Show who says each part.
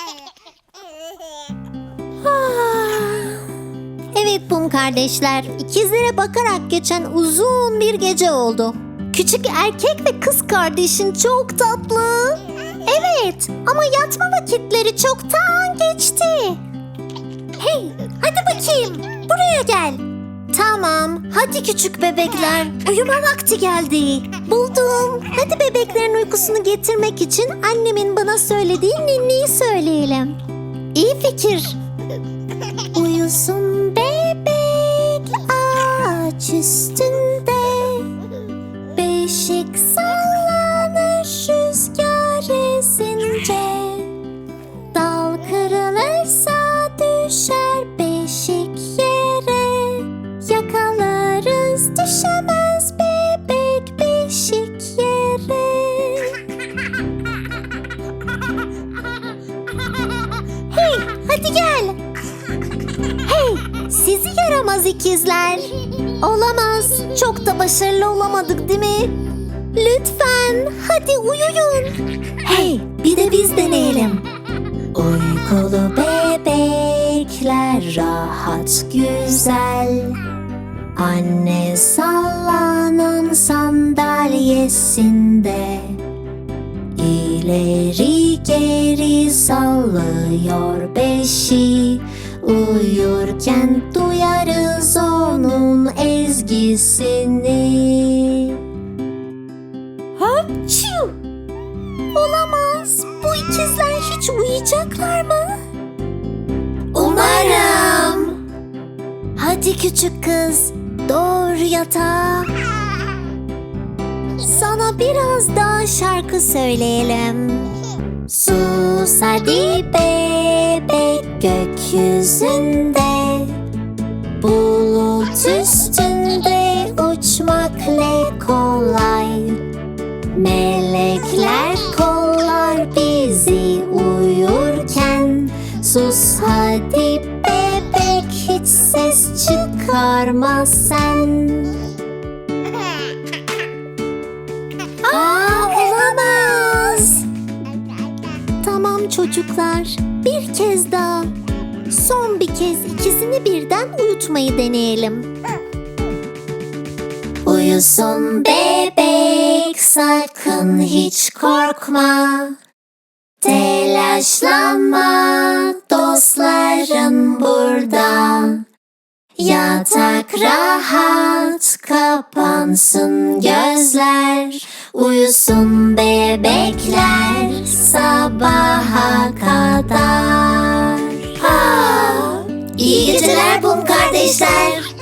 Speaker 1: Evet Pum kardeşler, ikizlere bakarak geçen uzun bir gece oldu. Küçük erkek ve kız kardeşin çok tatlı. Evet, ama yatma vakitleri çoktan geçti. Hey, hadi bakayım, buraya gel. Tamam, hadi küçük bebekler, uyuma vakti geldi. Buldum. Hadi bebeklerin uykusunu getirmek için annemin bana söylediği ninniyi söyleyelim. İyi fikir. Uyusun bebek ağaç üstünde, beşik sallanır rüzgar esince. Dal kırılırsa düşer beşik yere, yakalarız düşemez bebek beşik yere. Hey, hadi gel. Hey, sizi yaramaz ikizler. Olamaz, çok da başarılı olamadık değil mi? Lütfen, hadi uyuyun. Hey, bir de biz deneyelim. Uykulu bebekler rahat güzel, anne sallanan sandalyesinde ileri geri sallıyor beşi. Uyurken duyarız onun ezgisini. Hapçu! Olamaz. Bu ikizler hiç uyuyacaklar mı? Umarım. Hadi küçük kız, doğru yatağa. Sana biraz daha şarkı söyleyelim. Sus hadi bebek gökyüzünde, bulut üstünde uçmak ne kolay. Melekler kollar bizi uyurken. Sus hadi bebek, hiç ses çıkarma sen. Olamaz. Tamam çocuklar, bir kez daha. Son bir kez ikisini birden uyutmayı deneyelim. Uyusun bebek, sakın hiç korkma. Telaşlanma, dostların burada. Yatak rahat, kapansın gözler. Uyusun bebekler sabaha kadar. İyi geceler Pum kardeşler.